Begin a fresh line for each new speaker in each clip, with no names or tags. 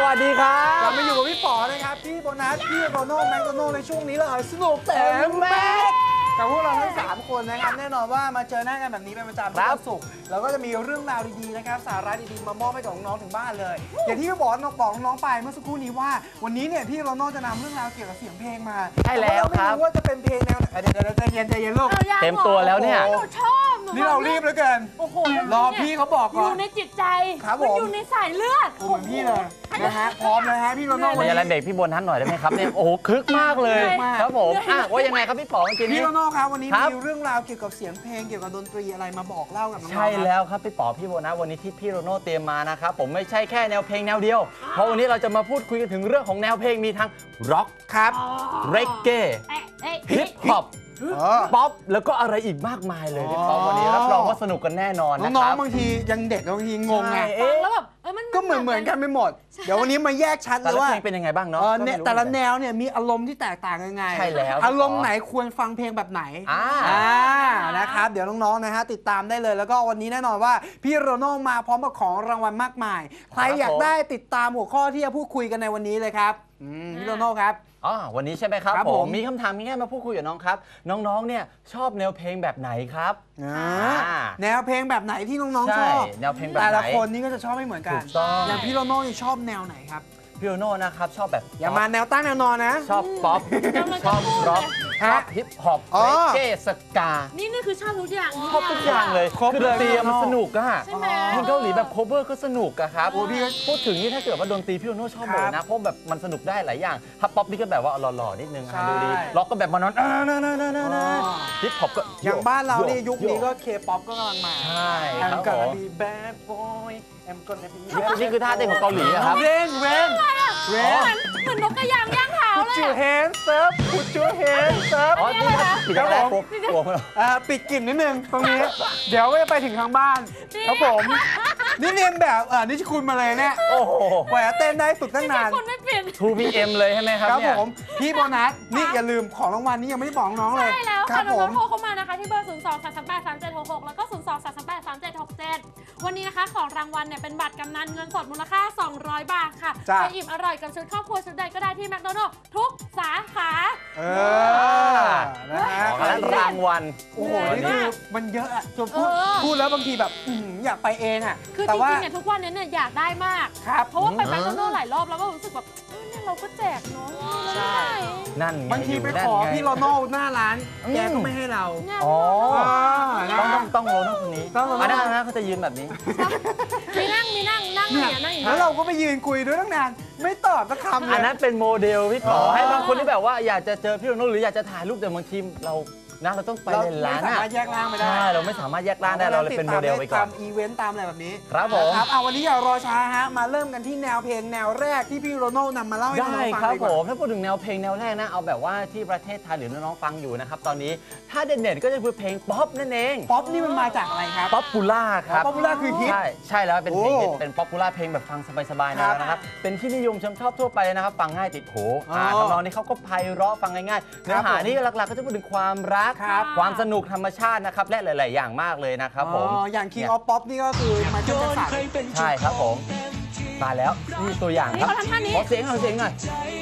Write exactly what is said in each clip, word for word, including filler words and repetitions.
วัสดีครับ
กลับมาอยู่กับพี่ป๋อนะครับพี่โบนัสพี่โรโน่แมคโดนัลด์ในช่วงนี้เลยสนุกเต็มแม็กกับพวกเราทั้งสามคนนะครับแน่นอนว่ามาเจอหน้ากันแบบนี้เป็นประจำทุกวันศุกร์เราก็จะมีเรื่องราวดีๆนะครับสาระดีๆมามอบให้กับน้องๆถึงบ้านเลยอย่างที่พี่บอกน้องบอกน้องๆไปเมื่อสักครู่นี้ว่าวันนี้เนี่ยพี่โรโน่จะนำเรื่องราวเกี่ยวกับเสียงเพลงมา
ใช่แล้วครับ
ไม่รู้ว่าจะเป็นเพลงแนวไหนเดี๋ยวๆใจเย็นใจเย็นลูก
เต็มตัวแล้วเนี่ย
หนูชอบ
นี่เรารีบเหลือเกิน
โอ้โห
รอพี่เขาบอกก่อน
อยู่ในจิตใจ
มัน
อยู่ในสายเลือด
เหมือนพี่เลยนะฮะพร้อมเลยฮะพี่โรโน่
มีอะไรเบรกพี่บนทันหน่อยได้ไหมครับเนี่ยโอ้โหคึกมากเลยครับผมอ่ะว่ายังไงครับพี่ป๋องกิน
พี่โรโน่ครับวันนี้มีเรื่องราวเกี่ยวกับเสียงเพลงเกี่ยวกับดนตรีอะไรมาบอกเล่ากับน้องๆ
ใช่แล้วครับพี่ป๋อพี่โบนะวันนี้ที่พี่โรโน่เตรียมมานะครับผมไม่ใช่แค่แนวเพลงแนวเดียวเพราะวันนี้เราจะมาพูดคุยกันถึงเรื่องของแนวเพลงมีทั้งร็อก
ครับ
เรกเก้ฮิปฮอปป๊อปแล้วก็อะไรอีกมากมายเลยพี่ป๋อวันนี้รับรองว่าสนุกกันแน่นอนนะครับ
น้องๆบางทียังเด็กบางทีงงไง
แล้วแบบเออมัน
ก็เหมือนเหมือนกันไปหมดเดี๋ยววันนี้มาแยกชัดเลยว่า
เพลงเป็นยังไงบ้างเนาะ
แต่ละแนวเนี่ยมีอารมณ์ที่แตกต่างยังไง
ใช่แล้ว
อารมณ์ไหนควรฟังเพลงแบบไหน
อ่า
นะครับเดี๋ยวน้องๆนะฮะติดตามได้เลยแล้วก็วันนี้แน่นอนว่าพี่โรโน่มาพร้อมกับของรางวัลมากมายใครอยากได้ติดตามหัวข้อที่จะพูดคุยกันในวันนี้เลยครับพี่โรโน่ครับ
อ๋อวันนี้ใช่ไหมครับผมมีคำถามง่ายๆมาพูดคุยกับน้องครับน้องๆเนี่ยชอบแนวเพลงแบบไหนครับ
แนวเพลงแบบไหนที่น้องๆชอบ
แนวเพลงแบบไหน
แต่ละคนนี่ก็จะชอบไม่เหมือนกันอย่างพี่โรโน่ชอบแนวไหนครับ
พี่โรโน่นะครับชอบแบบ
อย่ามาแนวตั้งแนวนอนนะ
ชอบป๊อปชอบร็อกชอบฮิปฮอปเรเก้สกา
นี่นี่คือชอบทุกอย่าง
ชอบทุกอย่างเลยคือดนตรีมันสนุกอะเพลงเกาหลีแบบโคเวอร์ก็สนุกอะครับพูดถึงนี่ถ้าเกิดว่าดนตรีพี่โรโน่ชอบหมดนะเพราะแบบมันสนุกได้หลายอย่างถ้าป๊อปนี่ก็แบบว่าหล่อๆนิดนึงดูดีร็อกก็แบบมานอนฮิปฮอปก็
อย่างบ้านเรานี่ยุคนี้ก็เคป๊อปก็กำลังมา
ใช่ครับผม
Bad Boy I'm gonna be
นี่คือท่าเต้นของเกาหลีครับ
เว้นเว้น
เว้นเหมือนนกกระยางย่างเท้าเลย
Put your hands up Put your hands up
อ๋อนี่ครับปิดแล้วผม
ปิดกลิ่นนิดนึงตรงนี้เดี๋ยวไปถึงทางบ้านครับผมนี่เรียนแบบอ่านิชคุณมาเลยเนี่ย
โอ้โห
กว่าจะเต้นได้ฝึกตั้งนาน
คุณไม่เปลี่ยน
ทู พี เอ็ม เลยใช่ไหมครับ
ครับผมพี่โบนัสนี่อย่าลืมของรางวัลนี้ยังไม่ได้บอกน้องเลย
ใช่แล้วค่ะน้องโทรเข้ามานะคะที่เบอร์ศูนย์ สอง สาม สาม แปด สาม เจ็ด หก หกแล้วก็ศูนย์ สอง สาม สาม แปด สาม เจ็ด หก เจ็ดวันนี้นะคะของรางวัลเนี่ยเป็นบัตรกำนันเงินสดมูลค่าสองร้อยบาทค่ะไปอิ่มอร่อยกับชุดครอบครัวชุดใดก็ได้ที่แมคโดนัลด์ทุกสาขา
เออนะฮะ
รางวัล
โอ้โหนี่คือมันเยอะอะจนพูดพูดแล้วบางทีแบบอยากไปเองอะ
คือจริงๆเนี่ยทุกวันนี้เนี่ยอยากได้มาก
ครับ
เพราะว่าไปแมคโดนัลด์หลายรอบแล้วก็รู้สึกแบบเนี่ยเราก็แจกเนาะ
ใช่
นั่น
บางทีไปขอพี่โรโน่หน้าร้านแกก็ไม่ให้เรา
อ๋อต้องต้องต้องโรโน่คนนี้อันนั้นนะเขาจะยืนแบบนี้
มีนั่งมีนั่งนั่งอย่างนี้นั่งอย่างนี้
แล้วเราก็ไปยืนคุยด้วยตั้งนานไม่ตอบสักคำเลย
อันนั้นเป็นโมเดลพี่ป๋อให้บางคนที่แบบว่าอยากจะเจอพี่โรโน่หรืออยากจะถ่ายรูปแต่บางทีเรานะเราต้องไปในร้าน
เราไม่สามารถแยกร่างไม่ได้
ใช่เราไม่สามารถแยกร่างได้เราเลยเป็นโมเดลไปก่อน
ตามอีเวนต์ตามอะไรแบบนี้
ครับผม
ครับเอาวันนี้อย่ารอช้าฮะมาเริ่มกันที่แนวเพลงแนวแรกที่พี่โรโน่นำมาเล่าให้น้องฟัง
ครับผมถ้าพูดถึงแนวเพลงแนวแรกนะเอาแบบว่าที่ประเทศไทยหรือน้องๆฟังอยู่นะครับตอนนี้ถ้าเด่นๆก็จะคือเพลงป๊อปนั่นเอง
ป๊อปนี่มันมาจากอะไรครับ
ป๊อปปูล่าครับ
ป๊อปปูล่าคือฮิต
ใช่ใช่แล้วเป็นเพลงฮิตเป็นป๊อปปูล่าเพลงแบบฟังสบายๆนะครับเป็นที่นิยมชมชอบทั่วไปนะครับฟังง่ายติดหูทำนองนี้เขาก็ไพเราะฟังง่ายๆเนื้อหานี่หลักๆก็จะพูดถึงความรักความสนุกธรรมชาตินะครับและหลายๆอย่างมากเลยนะครับผม
อย่าง King of Pop นี่ก็คือมาจากจักรสัน
ใช่ครับผมมาแล้วนี่ตัวอย่างครับขอเสียงหน่อยเสียงหน่อย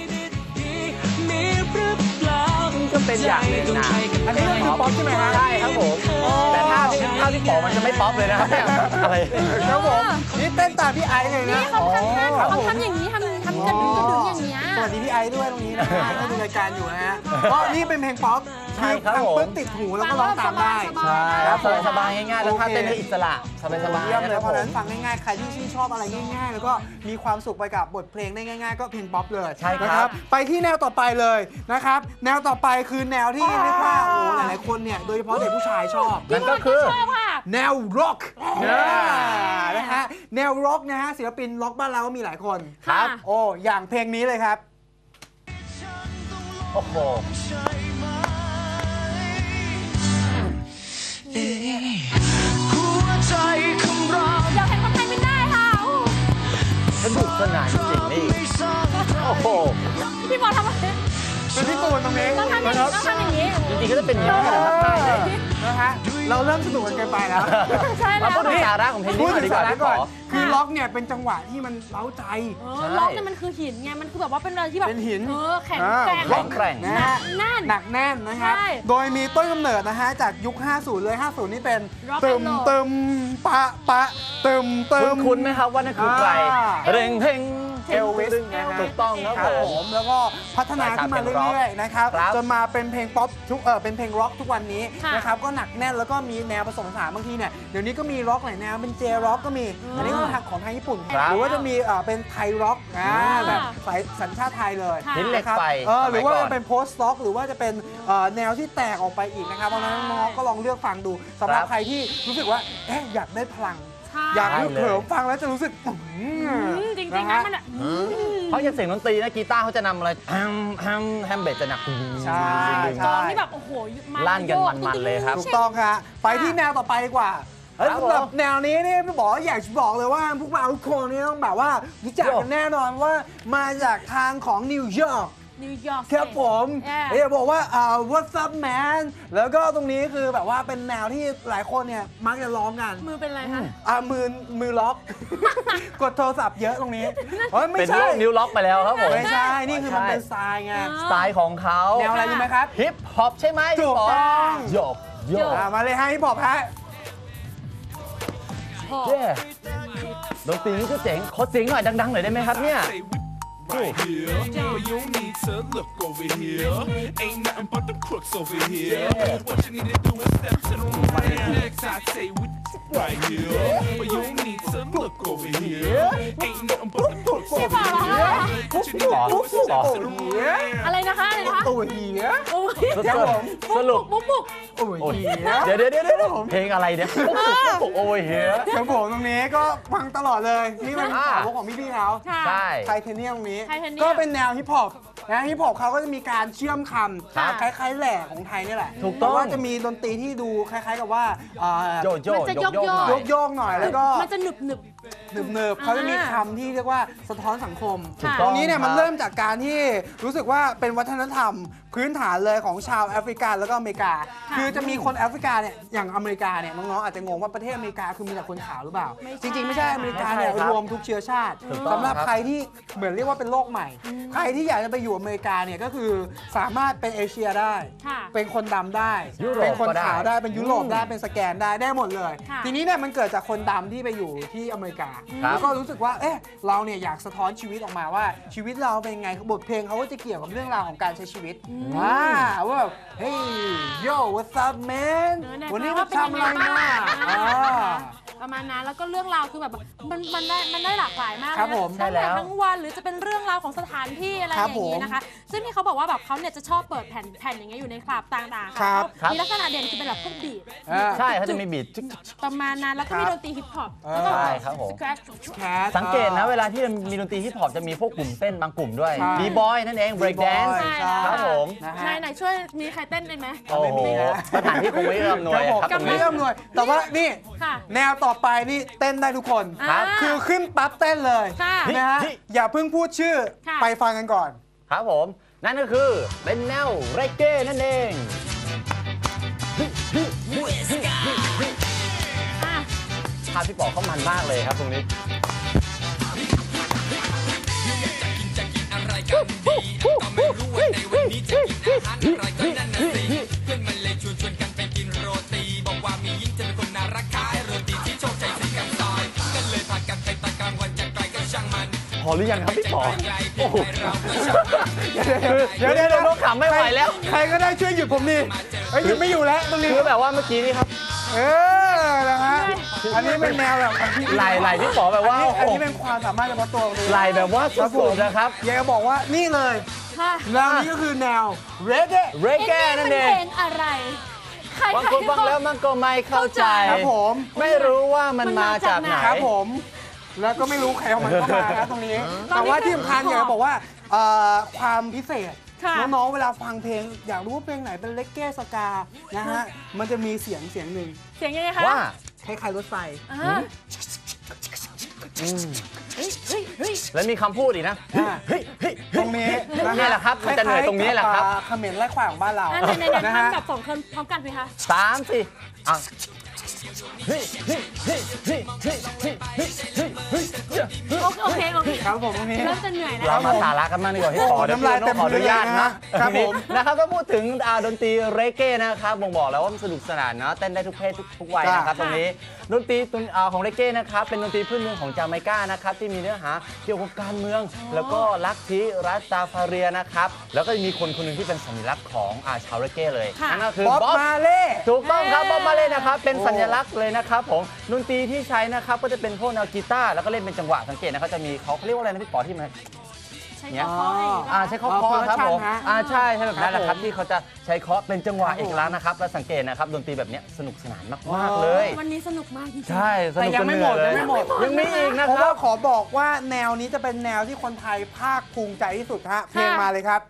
ก็เป็นอย่างหนึ่งนะ
อันนี้คือป๊อปใช่ไหมฮะ
ใช่ครับผมแต่ถ้าที่ถ้าที่ป๋อมันจะไม่ป๊อปเลยนะครับเนี่ยอะไร
ครับผมนี่เต้นตามพี่ไอซ์เลยนะ
เขาทำเขาทำอย่างนี้ทำทำกระดึ๊งกระดึ๊งอย่างนี้
สวัสดีพี่ไอซ์ด้วยตรงนี้นะฮะก็ดูรายการอยู่นะฮะเพราะนี่เป็นเพลงป๊อป
ใช่ครับผม
ติดหูแล้วก็ร้องตามได้
ใช่ครับสบายๆง่ายๆแล้วถ้าเต้นได้อิสระสบายๆ
เลยเพราะนั้นฟังง่ายๆใครที่ชื่นชอบอะไรง่ายๆแล้วก็มีความสุขไปกับบทเพลงได้ง่ายๆก็เพลงป๊อปเลย
ใช่ครับ
ไปที่แนวต่อไปเลยนะครับแนวต่อไปคือแนวที่เรียกว่าโอ้หลายๆคนเนี่ยโดยเฉพาะเด็กผู้ชายชอบ
นั่นก็คือ
แนวร็อกนะฮะแนวร็อกนะฮะศิลปินร็อกบ้านเราก็มีหลายคน
ครับ
โอ้อย่างเพลงนี้เลยครับ
โอ้โห
หัวใจของเราอยากเห็นคนไทยไม่ได้ค่ะ
สนุกสนานจริงนี่โอ้โห
พี่บอลทำอะไร
เป็นพี่ตูนตรงนี้
ต้องทำอย่างนี้ต้องทำอย่างนี้
จริงๆก็จะเป็นอย่างนี้แหละครับใช่เลย
นะฮะเราเริ่มสนุกกันเกินไปแล้ว
ใช่แล้
มาว พูดถึงสาระของเพลงนี้
พูด
ก่อน
ถึ
ดี
ง
ก
สา
ว่า
ระ
พี่
ก่
ป๋
อ
อน
คือล็อกเนี่ยเป็นจังหวะที่มันเล้าใจ
เออล็อกเนี่ยมันคือหินไง มันคือแบบว่าเป็นอะไรที่แบบ
เป็นหิน
เออแข็ง
อ่า
แกร่ง
แข็งแกร่ง
นะ
หนั
ฮะ
กแน่น
หนักแน่นนะครับ
ใช่
โดยมีต้นกำเนิดนะฮะจากยุค ห้าสิบ เลย ห้าสิบ นี่เป็น
Rock
ตึม
and roll
ตึมปะปะตึมตึม
คุ้นๆไหมครับว่านั่นคือใคร
อ่า
เร่งเพ่ง
เอลวิสนะฮะ
ถูกต้องครับ
ครับ
ผ
ผม มแล้วก็พัฒนาขึ้นมาเรื่อยๆนะครับ
ครับ
จนมาเป็นเพลงป๊อปทุกเออเป็นเพลงร็อกทุกวันนี้
ค่ะ
นะครับก็หนักแน่นแล้วก็มีแนวผสมผสานบางทีเนี่ยเดี๋ยวนี้ก็มีร็อกหลายแนวเป็นเจร็อกก็มี
อืม
อันนี้ก็ทางของทางญี่ปุ่น
ครับ
หรือว่าจะมีเอ่อเป็นไทยร็อกอ่า
อ่า
แบบสายสัญชาติไทยเลย
ค่ะ
หินเหล็ก
นะครับ
ไฟ
เออหรือว่า
สมัยก่
จะเป็นโพสต์ล็อกหรือว่าจะเป็นเอ่อแนวที่แตกออกไปอีกนะครับเพราะฉะนั้นน้องๆก็ลองเลือกฟังดูสำหรับ
ครับ
ใครที่รู้สึกว่าเอ๊ะอยากได้พลัง
ใช่
อยาก
ได้
ฮึก
เลย
เหิมฟังแล้วจะรู้สึกอื้อ
อืมจริงๆ
นะ
นะ
ฮะ
มันอะอืม
เพราะอย่างเสียงดนตรีนะกีตาร์เขาจะนำอะไรแฮมแฮมแฮมเบสจะหนัก
ใช่
กลองนี่แบบโอ้โหมั
ลั่นกัน
โย
มันๆเลยครับ
ถูกต้องครับไปที่แนวต่อไปดีกว่าเอ้ย
ครับ
สำหรับ
ผม
แนวนี้นี่พี่บอกว่าอยากจะบอกเลยว่าพวกเราทุกคนนี่ต้องแบบว่ารู้จักกันแน่นอนว่ามาจากทางของนิวยอร์ก
นิวยอร์ก
ครับผม
Yeah
อยากบอกว่าอ่า What's up man แล้วก็ตรงนี้คือแบบว่าเป็นแนวที่หลายคนเนี่ยมักจะร้องกัน
มือเป็นอะไรคะ
อ่ามือมือล็อก กดโทรศัพท์เยอะตรงนี้เฮ้ยไม่
เป็น
ใช่
โรคนิ้วล็อกไปแล้วครับผม
ไม่ใช่นี่คือมันเป็นสไตล์ไง
สไตล์ของเขา
แนวอะไรรู้ไหมครับ
ฮิปฮอปใช่ไหม
ถูกต้อง
โยกโยก
อ่ามาเลยฮะพี่บอกฮะ
เย้ดนตรีนี่ก็เจ๋งขอเสียงหน่อยดังๆหน่อยได้ไหมครับเนี่ย
Right here, but you need to look over here. Ain't nothing but the crooks over here. What you need to do is step to the right. Next, I say with right here, but you need to look over here. Ain't nothing but the crooks over here. What you need to do is step to the right.
อะไรนะคะอะไรนะคะ
ตัวเหีย
โอ้ย
สรุปสรุป
บุกบุก
โอ้ย
โอ้ย
เหีย
เดี๋ยวเดี๋ยวเดี๋ยวเดี๋ยวเพลงอะไรเนี่ยโอ้ยเฮีย
ครับผมตรงนี้ก็ฟังตลอดเลย นี่เป็น
อ่า
สาวกของพี่ๆเขา
ค่ะ
ใช่
ไทเทเนียมตรงนี้
ไทเทเนียม
ก็เป็นแนวฮิปฮอปนะฮิปฮอปเขาก็จะมีการเชื่อมค
ค่ะ
ำคล้ายๆแหล่ของไทยนี่แหละ
ถูกต้อง
แต่ว่าจะมีดนตรีที่ดูคล้ายๆกับว่าอ่า
โยโย่
มันจะ
โยก
โย
โย
ก
ก
ๆ
หน่อย
โยกๆหน่อยแล้วก็
มันจะหนึบหนึบ
เนิบๆเขาจะมีคำที่เรียกว่าสะท้อนสังคม
ถูก
ต
ต้
ร
อง
งนี้เนี่ย
ครับ
มันเริ่มจากการที่รู้สึกว่าเป็นวัฒนธรรมพื้นฐานเลยของชาวแอฟริกันแล้วก็อเมริกา
ค่ะ
คือจะมีคนแอฟริกาเนี่ยอย่างอเมริกาเนี่ยน้องๆอาจจะงงว่าประเทศอเมริกาคือมีแต่คนขาวหรือเปล่า
ไม่ใช่
จริงๆไม่ใช่อเมริกาเนี่ย
ไม่ใช่ครับ
รวมทุกเชื้อชาติ
ถูกต้อง
สำหรับ
ครับ
ใครที่เหมือนเรียกว่าเป็นโลกใหม่ ใครที่อยากจะไปอยู่อเมริกาเนี่ยก็คือสามารถเป็นเอเชียได้
ค่ะ
เป็นคนดำได้
ยุโรป
เป็นคน
ก็ได้
ขาวได้เป็นยุโรปได้
อืม
เป็นสแกนได้ได้หมดเลย
ค่ะ
ทีนี้เนี่ยมันเกิดจากคนดำที่ไปอยู่ที่อเมริกา
ครับ
แล้วก็รู้สึกว่า เอ๊ะ เราเนี่ยอยากสะท้อนชีวิตออกมาว่าชีวิตเราเป็นไง บทเพลงเขาก็จะเกี่ยวกับเรื่องราวของการใช้ชีวิตอ่าว่าแบบเฮ้ย yo what's up man
เออเนี่ย
วันนี้
ว่า
มา
เป็นยัง
ทำอะไร
ไงบ้าง
มา
อ่า
อ่า
ประมาณนั้นแล้วก็เรื่องราวคือแบบมันมันได้มันได้หลากหลายมากเลย
ครับ
นะ
ผม
ตั้ง
ใช่แล้
แต่
ว
ทั้งวันหรือจะเป็นเรื่องราวของสถานที่อะไรอ
ครับ
ย่างนี้
ผม
นะคะ ซึ่งที่เขาบอกว่าแบบเขาเนี่ยจะชอบเปิดแผ่นแผ่นอย่างเงี้ยอยู่ในคลับต่างๆ
ครั
ค่ะ
บ
เขามีลักษณะเด่นคือเป็นแบบพวกบีท
อ่า
ใช่เขาจะมีบีท
ประมาณนั้นแล้วก็มี
ครับ
ดนตรีฮิปฮอป
เออ
แล้วก็
ใช่ครับผม
สแครช
แคท
สังเกตนะเวลาที่มีดนตรีฮิปฮอปจะมีพวกกลุ่มเต้นบางกลุ่มด้วย
ใช่
บีบอยนั่นเอง break dance
ใช่
ครับผม
นะฮะ
ไหนไหนช่วยมีใครเต้นได้ไหม
โอ้โห
ไม่มีนะ
สถานที่คงไม่เอื้อมหน่วย
ครับผม
ครับตรง
ไม่
นี้
เอื้อมหน่วยแต่ว่านี่
ค่ะ
แนวต่อไปนี่เต้นได้ทุกคน
ครับ
คือขึ้นปั๊บเต้นเลย
ค่ะ
นะฮะ
นี่
อย่าเพิ่งพูดชื่อ
ค่ะ
ไปฟังกันก่อน
ครับผม นั่นก็คือเป็นแนวเรเก้นั่นเอง
อ่ะ
ภาพพี่ป๋อเขามันมากเลยครับตรงนี้ พอหรือยังครับพี่ป๋อโอ้โห
เดี๋ยวเดี๋ยวเดี๋ยว
ต้องขำไม่ไหวแล้ว
ใครก็ได้ช่วยหยุดผมดิเอ้ยหยุดไม่อยู่แล้วตรงนี้
คือแบบว่าเมื่อกี้นี่ครับ
เออนะฮะอันนี้เป็นแนวแบบของพี่
ไหลไหลพี่ป๋อแบบว่า
อันนี้อัน
โอ้
นี้
โห
เป็นความสามารถเฉพาะตัวตรงนี้
ไหลแบบว่าสุดๆนะครับ
อยากจะบอกว่านี่เลย
ค่ะ
แนวนี้ก็คือแนวเรเก้
เรเก้นั่นเอง
เพลงอะไรใคร
บางคนฟังแล้วมันก็ไม่เข้าใจ
ครับผม
ไม่รู้ว่ามันมาจากไหน
ครับผม แล้วก็ไม่รู้ใครเอามันเข้ามาครับตรงนี้ แต่ว่าที่สำคัญอยากจะบอกว่าเอ่อความพิเศษ
ค่ะ
น้องๆ เวลาฟังเพลง อยากรู้ว่าเพลงไหนเป็นเลกเก้สกา นะฮะ มันจะมีเสียงเสียงหนึ่ง
เสียงยังไงคะ
ว่า
คล้ายๆรถไฟ
อ่า
แล้วมีคำพูดอีกนะเฮ้ยเฮ้ย
ตรงนี้
นี่แหละครับมันจะเหนื่อยตรงนี้แหละครับ
เขมิ้นไล่ควายของบ้านเรา
อันไหนๆ
นะ
ๆ
ฮะ
ทำแบบสองคนพร้อมกันไหมคะ
สามสี่อ่ะเฮ้ยเฮ้ยเฮ้ยเฮ้ยเฮ้ยเฮ้ยเฮ้ยเฮ้ยเฮ้ย
โอเคโอเค
ครับผมตรงนี้
เริ่มจะเหนื่อยแล้ว
เรามาสาระกันมากดีกว่าพี่ขอ
น้ำลายเต็ม
ขออนุญาต
มือเลย
นะ
นะครับผม
นะครับก็พูดถึงอ่าดนตรีเรเก้นะครับบ่งบอกแล้วว่ามันสนุกสนานนะเต้นได้ทุกเพศทุกทุกวัยนะครับตรงนี้ดนตรีตรงอ่าของเรเก้นะครับเป็นดนตรีพื้นเมืองของจาเมกานะครับที่มีเนื้อหาเกี่ยวกับการเมือง แล้วก็ลัทธิรัสตาฟาเรียนะครับแล้วก็มีคนคนหนึ่งที่เป็นสัญลักษณ์ของอ่าชาวเรเก้เลยนั่นก็คือ
บ๊อบ
บ๊อบ
มาเล่
ถูกต้องครับบ๊อบมาเล่นะครับเป็นสัญลักษณ์เลยนะครับผมดนตรีที่ใช้นะครับก็จะเป็นพวกแนวกีตาร์แล้วก็เล่นเป็นจังหวะสังเกตนะครับจะมีเขาเขาเรียกว่าอะไรนะพี่ป๋อที่มัน
ใช้
เนี่ย
ข้อให้
อ่าใช้เคาะเคาะครับผมอ่าใช่ใช่แบบนั้นแหละครับที่เขาจะใช้เคาะเป็นจังหวะเอกลักษณ์นะครับแล้วสังเกตนะครับดนตรีแบบเนี้ยสนุกสนานมากๆเลย
วันนี้สนุกมากจริงๆ
ใช่ส
แต่
นุก
ยัง
จน
ไม่
เห
หม
นื่อ
ด
ยเลย
ยังไม่หมด
ยังมีอีกนะ
เพราะ
ครั
ว่า
บ
ขอบอกว่าแนวนี้จะเป็นแนวที่คนไทยภาคภูมิใจที่สุดฮะเพลงมาเลยครับ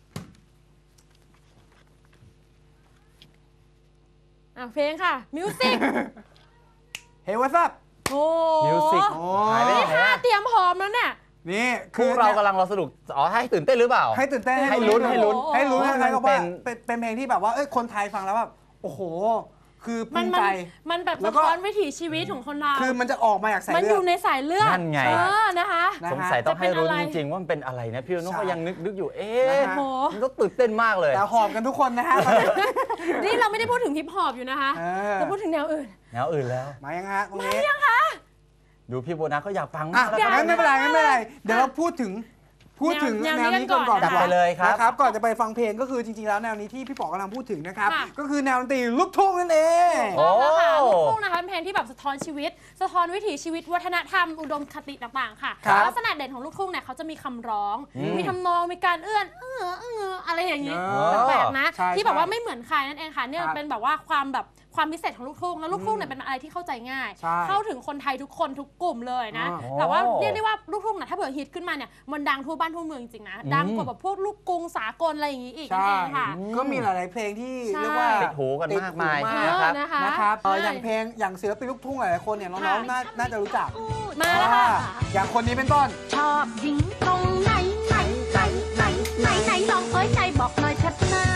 อ่ะเพลงค่ะมิวสิก
เฮ้ยวัซับ
โอ้
มิวสิก
โอ้
หายไปไหน
นี่ค่ะ
อะ
เตรียมพร้อมแล้วเนี่ย
นี่
พวกเรากำลังรอสนุกอ๋อให้ตื่นเต้นหรือเปล่า
ให้ตื่นเต้น
ให้ลุ้นให้ลุ้น
ให้ลุ้น
เพราะ
ให้
มัน
เขาว่า
เป็น
เป็นเป็นเพลงที่แบบว่าเอ้ยคนไทยฟังแล้วแบบโอ้โห คือภู
มัน
มิ
มัน
ใจ
มันแบบ
แล้
สะ
วก็
ท้อนวิถีชีวิตของคนเรา
คือมันจะออกมาจากสาย
มัน
เลื
อ
อด
ยู่ในสายเลือด
นั่นไง
เออนะคะ
นะ
สงสัยต้องให้รู้
จะเป็นอะไร
จริงๆว่ามันเป็นอะไรนะพี่นุ่น
ใช่
ก็ยังนึกนึกอยู่เอ๊
นะ
ะ
ฮะ
โอ้โห
มันต้องตื่นเต้นมากเลย
แต่หอบกันทุกคนนะฮะ
นี่เราไม่ได้พูดถึงฮิปฮอปอยู่นะคะ
เออ
เราพูดถึงแนวอื่น
แนวอื่นแล้ว
มายังฮะตรงนี้
ดูพี่โบนัสก็อยากฟัง
อ่ะ
มากแล้ว
งั้นไม่เป็นไรงั้นไม่เป็นไร เดี๋ยวเราพูดถึงพูดถึง
แนว
แนว
นี้
นี้
กั
ก่อน น
ก่
ก่
อ
อน น
จัดไปเลยครับ
นะครับ ก่อนจะไปฟังเพลงก็คือจริงๆแล้วแนวนี้ที่พี่ป๋อกำลังพูดถึงนะครับ
ค่ะ
ก็คือแนวดนตรีลูกทุ่งนั่นเอง
โอ้
ต้องแล้วค่ะลูกทุ่งนะคะเป็นเพลงที่แบบสะท้อนชีวิต สะท้อนวิถีชีวิตวัฒนธรรมอุดมคติต่างๆค่ะ
ครับ
ลักษณะเด่นของลูกทุ่งเนี่ยเขาจะมีคำร้อง
อืม
มีทำนองมีการเอื้อนเออเอออะไรอย่างนี้
เออ
แปลกๆนะ
ใช่
ที่แบบว่า
ใช่
ไม่เหมือนใครนั่นเองค่ะเนี่ย
ครับ
เป็นแบบว่าความแบบความพิเศษของลูกทุ่งแล้วลูกทุ่งเนี่ยเป็นอะไรที่เข้าใจง่าย
ใช่
เข้าถึงคนไทยทุกคนทุกกลุ่มเลยนะ
อ๋อ
แต่ว่าเรียกได้ว่าลูกทุ่งน่ะถ้าเผื่อฮิตขึ้นมาเนี่ยมันดังทั่วบ้านทั่วเมืองจริงๆนะดังกว่าแบบพวกลูกกรุงสากลอะไรอย่างนี้อีกนั่น
ใช่
เองค่ะ
ก็มีหลาย ๆ เพลงที่
ใช่
เรียกว่า
ติดหูกันมากมาย
ติดหู
นะครับ
เออนะคะ
นะครับเอ่อ
ใช่
อย่างเพลงอย่างศิลปินลูกทุ่งหลายๆคนเนี่ยน้อง
ค่ะ
ๆน่าน่าจะรู้จัก
มาแล้วค่ะ
อ่าอย่างคนนี้เป็นต้น
ชอบหญิงตรงไหนไหนไหนไหนไหนไหนลองเอ้ยใจบอกหน่อยชัดหน้า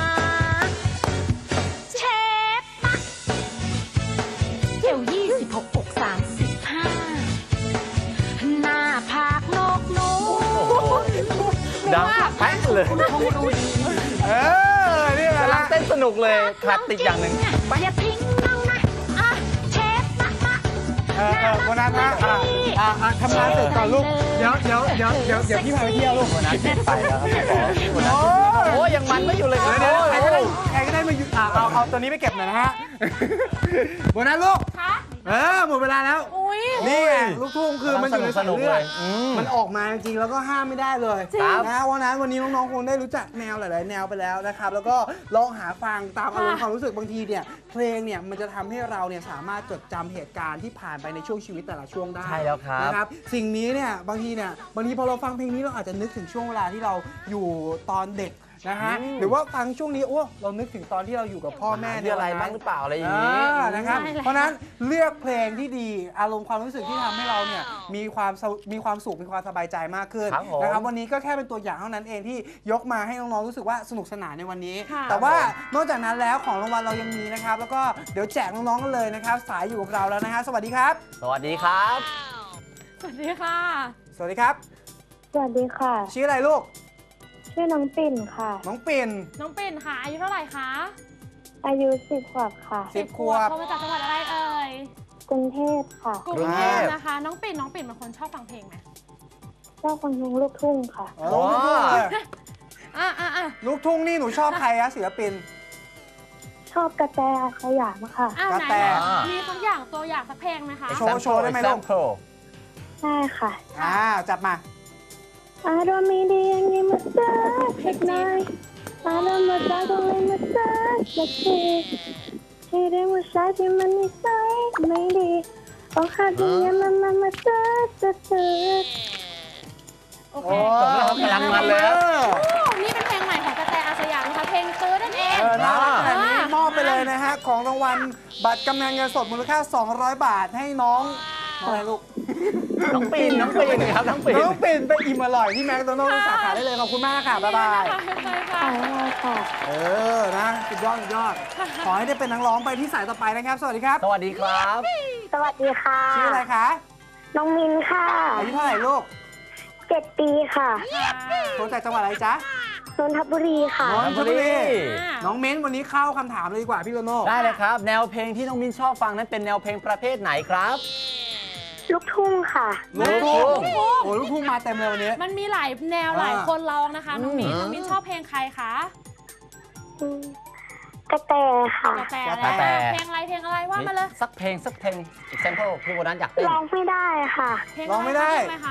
เชฟปะเที่ยวยี่สิบหกอกสามสิบห้าหน้าผากนกนู
ดังแป๊กเลย
คงรู้ดี
เออนี่แหละ
กำลังเต้นสนุกเลยขาดติดอย่างหนึ่ง
อย่าทิ้งน้องนะอ่ะเชฟปะปะ
เออเออวันนั้นนะอ่ะอ่ะอ่ะทำงานเสร็จก่อนลูก เดี๋ยวเดี๋ยวเดี๋ยวเดี๋ยวเดี๋ยวพี่พาไปเที่ยวลูก
วันนั้นเปลี่ยนไปแล้วครับพี่ป๋อพี่โบนัส
โอ้ย
โอ้ยยังมันไม่อยู่เลยครับ
เดี๋ยวเดี๋ยวใครก็ได้
โอ้ย
ใครก็ได้มาอยู่อ่ะเอาเอาตัวนี้ไปเก็บหน่อยนะฮะวันนั้นลูก
คะ
เออหมดเวลาแล้ว
อุ้ย
นี่ไงลูกทุ่งคือมันอยู่ในสาย
สนุก
เลื
เล
อด
ยอืม
มันออกมาจริงๆแล้วก็ห้ามไม่ได้เลย
จริง
นะวันนั้นวันนี้น้องๆคงได้รู้จักแนวหลายๆแนวไปแล้วนะครับแล้วก็ลองหาฟังตามอารมณ์ความรู้สึกบางทีเนี่ยเพลงเนี่ยมันจะทำให้เราเนี่ยสามารถจดจำเหตุการณ์ที่ผ่านไปในช่วงชีวิตแต่ละช่วงได้
ใช่แล้วครับ
นะครับสิ่งนี้เนี่ยบางทีเนี่ยบางทีพอเราฟังเพลงนี้เราอาจจะนึกถึงช่วงเวลาที่เราอยู่ตอนเด็กนะฮะ
อืม
หรือว่าฟังช่วงนี้โอ้เรานึกถึงตอนที่เราอยู่กับพ่อแม่
มีอะไรบ้างหรือเปล่าอะไรอย่างนี้
อ่านะครับ
ใช่แล้ว
เพราะฉะนั้นเลือกเพลงที่ดีอารมณ์ความรู้สึกที่ทำให้เราเนี่ยมีความสมีความสุขมีความสบายใจมากขึ้น
ครับผม
นะครับวันนี้ก็แค่เป็นตัวอย่างเท่านั้นเองที่ยกมาให้น้องๆรู้สึกว่าสนุกสนานในวันนี้
ค่ะ
แต่ว่านอกจากนั้นแล้วของรางวัลเรายังมีนะครับแล้วก็เดี๋ยวแจกน้องๆกันเลยนะครับสายอยู่กับเราแล้วนะฮะสวัสดีครับ
สวัสดีครับ
สวัสดีค่ะ
สวัสดีครับ
สวัสดีค่ะ
ชื่ออะไรลูก
ชื่อน้องปิ่นค่ะ
น้องปิ่น
น้องปิ่นค่ะอายุเท่าไหร่คะ
อายุสิบขวบค่ะ
สิบขวบ
โทรมาจากจังหวัดอะไรเอ่ย
กรุงเทพค่ะ
กรุ
กรุ
ง
ง
เท
เท
พ
พ
นะคะ น้องปิ่นน้องปิ่นเป็นคนชอบฟังเพลงไหม
ชอบฟังเพลงลูกทุ่งค่ะ
เออลูกทุ่งเลย
อ่ะอ่ะอ่ะ
ลูกทุ่งนี่หนูชอบใครอะศิลปิน
ชอบกระแตอาสยามค่ะ
อ่ะ
กระ
ไหน
แต
ๆมีสักอย่างตัวอย่างสักเพลงไหมคะ
โชว์โชว์ได้ไหมลูก
Example
ใช่ค่ะ
อ่าจัดมา
อารมณ์ไม่ดีอย่างนี้มาเสิร์ฟสักหน่อยอารมณ์มาจากตรงนี้มาเสิร์ฟสักทีที่เรื่องว่าชายที่มันนิสัยไม่ดีต้องหาที่ยังมันมามาเสิร์ฟสักที
โอเค
จบแล้วครับกำลังมันเลยครับ
โอ้นี่เป็นเพลงใหม่ของกระแตอาสยามนะคะเพลงตื้อนั่นเอง
เออน่ารักขนาดนี้
อ่าม
อบไปเลยนะฮะ ของรางวัลบัตรกำนันเงินสดมูลค่า สองร้อย บาทให้น้องอะไรลูก
น้องปิ่นน้องปิ่นครับน้องปิ่น
น้องปิ่นไปอิ่มอร่อยที่แมคโดนัลด์สาขาได้เลยขอบคุณมากค่ะบ๊ายบาย
ไปค่ะ
ขอบคุณค่ะ
เออนะสุดยอดสุดยอดขอให้ได้เป็นนักร้องไปที่สายต่อไปนะครับสวัสดีครับ
สวัสดีครับ
สวัสดีค่ะ
ชื่ออะไรคะ
น้องมินค่ะ
อายุเท่าไหร่ลูก
เจ็ดปีค่ะ
โทรจากจังหวัดอะไรจ๊ะ
นนทบุรีค่ะ
นนทบุรี
อ่า
น้องเม้นวันนี้เข้าคำถามเลยดีกว่าพี่โตโน่
ได้เลยครับ แนวเพลงที่น้องมินชอบฟังนั้นเป็นแนวเพลงประเภทไหนครับ
ลูกทุ่งค่ะ
ลูกทุ่ง
ลูกทุ่ง
โอ้ลูกทุ่งมาเต็มเลยวันนี้
มันมีหลายแนวหลายคนร้องนะคะ น้องมิ้น
อืม
น้องมิ้นชอบเพลงใครคะ
อืมกระแตค่ะ
กระแต
กระแต
เพลงอะไรเพลงอะไรว่ามาเลย
สักเพลงสักเพลง example พี่โบนัสอยากเต้น
ร้องไม่ได้ค่ะ
เพลง
ร้องไม่ได้
เพลงอะไรคะ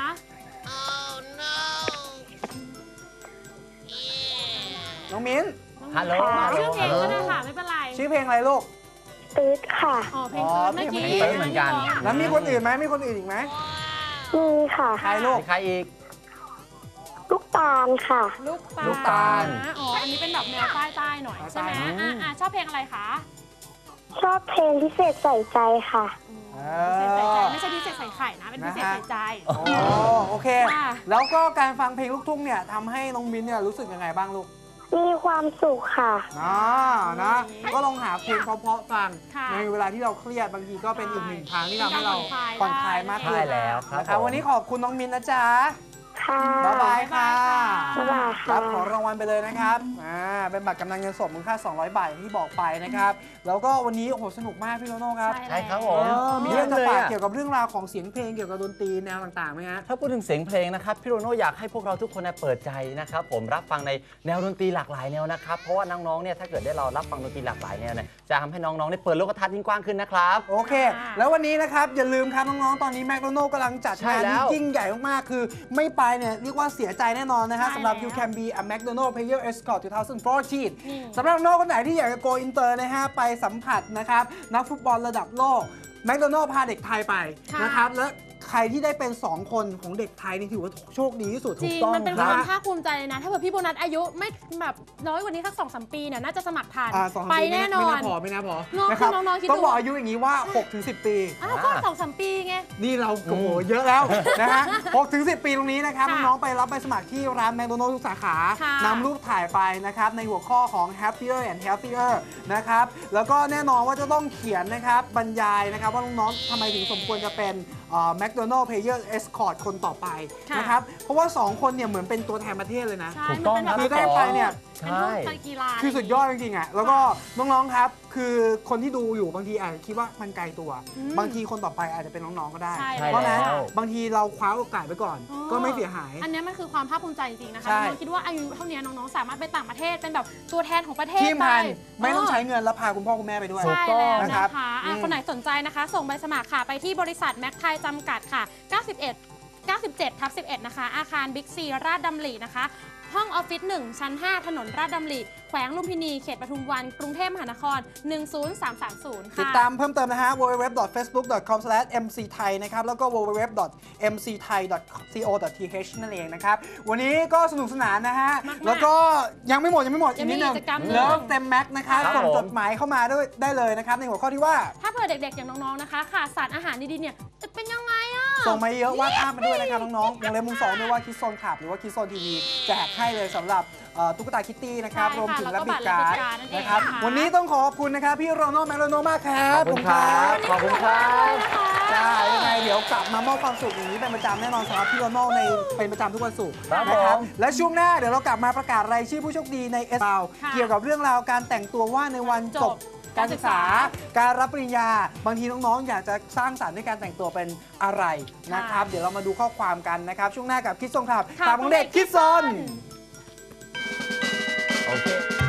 น้องมิ้น
ฮัลโหล
ชื่อเพลงก็ได้ค่ะไม่เป็นไร
ชื่อเพลงอะไรลูก
ตืดค่ะ
อ๋อเพลง
อ๋อ
เมื่อกี้
เพลงเติร์ดเหมือนกัน
แล้วมีคนอื่นไหมมีคนอื่นอีกไหม
มีค่ะ
ใครลูก
มีใครอีก
ลูกตาลค่ะ
ลูกตาล
ลูกตาล
นะอ๋ออันนี้เป็นแบบแนวใต้ใต้ๆหน่อยใช่ไหม
อืม
อ่ะอ่ะชอบเพลงอะไรคะ
ชอบเพลงพิเศษใส่ใจค่ะ
พิเศษใส่ใจไม่ใช่พิเศษใส่ไข่นะเป็นพิเศษใส่ใจ
โอ้โอเค
ค่ะ
แล้วก็การฟังเพลงลูกทุ่งเนี่ยทำให้น้องมิ้นเนี่ยรู้สึกยังไงบ้างลูก
มีความสุขค่ะ
นะนะก็ลองหาเพลงเพราะๆฟัง
ค่ะ
ในเวลาที่เราเครียดบางทีก็เป็นอีกหนึ่งทางที่ทำให้เรา
ผ่
ผ่
อ
อน น
ค
ค
ลา
ลาย ยมากขึ้น
ใช่แล้วครับ
นะครับ
ผม
วันนี้ขอบคุณน้องมิ้นนะจ๊ะ
ค่ะ
บ๊ายบายค่ะ
บ๊ายบาย
ค
ค่ะ
รับของรางวัลไปเลยนะครับอ่าเป็นบัตรกำนันเงินสดมูลค่า สองร้อยบาทอย่างที่บอกไปนะครับ แล้วก็วันนี้โอ้โหสนุกมากพี่โตโน่ครับ
ใช่ครับผม
เออมี
เยี่
เรื่
ย
อง
ม
จะ
เลย
ฝาก
อะ
เกี่ยวกับเรื่องราวของเสียงเพลงเกี่ยวกับดนตรีแนวต่างๆไหมฮะ
ถ้าพูดถึงเสียงเพลงนะครับพี่โรโน่อยากให้พวกเราทุกคนเนี่ยเปิดใจนะครับผมรับฟังในแนวดนตรีหลากหลายแนวนะครับเพราะว่าน้องๆเนี่ยถ้าเกิดได้เรารับฟังดนตรีหลากหลายแนวเนี่ยจะทำให้น้องๆได้เปิดโลกทัศน์ยิ่งกว้างขึ้นนะครับ
โอเค แล้ววันนี้นะครับ อย่าลืมครับน้องๆ ตอนนี้แมคโดนัลด์กำลังจัด
ใช่
งาน
แล้
ที่
ว
ยิ่งใหญ่มากๆ คือไม่ไปเนี่ยเรียกว่าเสียใจแน่นอนนะฮะ
ใช่
สำหรับ
แล้ว
You Can Be a McDonald Player Escort สองพันสิบสี่
อืม
สำหรับน้องคนไหนที่อยากจะ go inter นะฮะ ไปสัมผัสนะครับ นักฟุตบอลระดับโลกแมคโดนัลด์พาเด็กไทยไป
ค่ะ
นะครับ และใครที่ได้เป็น สอง คนของเด็กไทยนี่ถือว่าโชคดีที่สุด
จริง
ต้อง
มันเป็น
ครั
ค
บ
วามภาคภูมิใจเลยนะ ถ้าเกิดพี่โบนัสอายุไม่แบบน้อยกว่านี้สักสองสามปีเนี่ยน่าจะสมัครทัน
อ่าสองสาม
ไป
ปี
แน่นอ
ไม่
น
น่าพอไม่น่าพอ
น้อง
นะครับ
คือน้องๆคิด
ต้อง
ดู
บอกอายุอย่างนี้ว่า หกถึงสิบ ปี
อ้าวก็สองสามปีไง
นี่เราโอ้โหเยอะแล้วนะฮะ หกถึงสิบ ปีตรงนี้นะครับ
ค่ะ
น้องๆไปรับใบสมัครที่ร้านแมคโดนัลด์ทุกสาขา
ค่ะ
นำรูปถ่ายไปนะครับ ในหัวข้อของ happier and healthier นะครับ แล้วก็แน่นอนว่าจะต้องเขียนนะครับบรรยายนะครับว่าน้องๆทำไมถึงสมควรจะเป็นแมคโดนัลด์ Player Escort คนต่อไป
ค่ะ
นะครับ เพราะว่า สอง คนเนี่ยเหมือนเป็นตัวแทนประเทศเลยนะ
ใช่
ถูกต้อง
มันเป็นแบบ
คือได้ไปเนี่ย
เป็นพวกการกีฬา
คือสุดยอดจริงๆอ่ะ แล้วก็น้องๆ ครับ คือคนที่ดูอยู่บางทีอาจจะคิดว่ามันไกลตัว
อืม
บางทีคนต่อไปอาจจะเป็นน้องๆ ก็ได้
ใช่
เพราะฉะนั้น
แล้ว
บางทีเราคว้าโอกาสไปก่อน
อ๋อ
ก็ไม่เสียหาย
อันเนี้ยมันคือความภาคภูมิใจจริงๆนะคะ
ใช่
น้องๆคิดว่าอายุเท่านี้น้องๆสามารถไปต่างประเทศเป็นแบบตัวแทนของประเทศ
ทีมพัน
ไป
ไม่ต้องใช้เงินแล้วพาคุณพ่อคุณแม่ไปด้วย
ใช่แล้ว
นะ
นะ
ครั
คะ
บ
อ่ะ
อืม
คนไหนสนใจนะคะ ส่งใบสมัครค่ะไปที่บริษัทแม็กไทยจำกัดค่ะ เก้าสิบเอ็ด เก้าสิบเจ็ดทับสิบเอ็ด นะคะ อาคารบิ๊กซีราชดำรินะคะ ห้องออฟฟิศหนึ่งชั้นห้าถนนราชดำริแขวงลุมพินีเขตปทุมวันกรุงเทพมหานครหนึ่งศูนย์สามสามศูนย์
ติด
ค่ะ
ตามเพิ่มเติมนะฮะ ดับเบิลยู ดับเบิลยู ดับเบิลยู ดอท เฟซบุ๊ก ดอท คอม สแลช เอ็ม ซี ไทย นะครับ แล้วก็ ดับเบิลยู ดับเบิลยู ดับเบิลยู ดอท เอ็ม ซี ไทย ดอท ซี โอ ดอท ที เอช นั่นเองนะครับ วันนี้ก็สนุกสนานนะฮะ
มากๆ
แล้วก็ยังไม่หมดยังไม่หมดอี
ยั
ก
งมี
นิดนึง
กิจกรรมหนึ่ง
เลิฟเต็มแม็กนะครับ
ครับ
ส่ง
ผม
จดหมายเข้ามาด้วยได้เลยนะครับ ในหัวข้อที่ว่า
ถ้าเผื่อเด็กๆ อย่างน้องๆ นะคะขาดสารอาหารดีๆ เนี่ยจะเป็นยังไงอ่ะ
ส่งมาเยอะวาดภาพมาด้วยนะครับน้องๆวงเล็บมุมสองด้วยว่าคิดโซนขับหรือว่าคิดโซนทีวีแจกให้เลยสำหรับเอ่อตุ๊กตาคิตตี้นะครับ
ใช่ค่ะ
รวมถึง
แล้
และ
วก็
บิ
บั
ด
ตร
การ์ด
และบิดการ์ดนั่นเอง
นะครับ
นะคะ
วันนี้ต้องขอบคุณนะครับพี่โรนัลแมคโดนัลมากครั
ข
บ
อบคุณครับ ขอบคุณครับ
จ้ายังไงเดี๋ยวกลับมามอบความสุขอย่างนี้เป็นประจำแน่นอนสำหรับพี่โรนัลในเป็นประจำทุกวันศุกร์
ครับ
นะครั
ผม
และช่วงหน้าเดี๋ยวเรากลับมาประกาศรายชื่อผู้โชคดีในเอสเรา
ค่ะ
เกี่ยวกับเรื่องราวการแต่งตัวว่าในวันจบการศึกษา การรับปริญญา บางทีน้องๆ อยากจะสร้างสรรค์ในการแต่งตัวเป็นอะไรนะครับ เดี๋ยวเรามาดูข้อความกันนะครับ ช่วงหน้ากับคิดซนครับ
ค่ะ
ข่าวของเด็กคิดซน
โอเค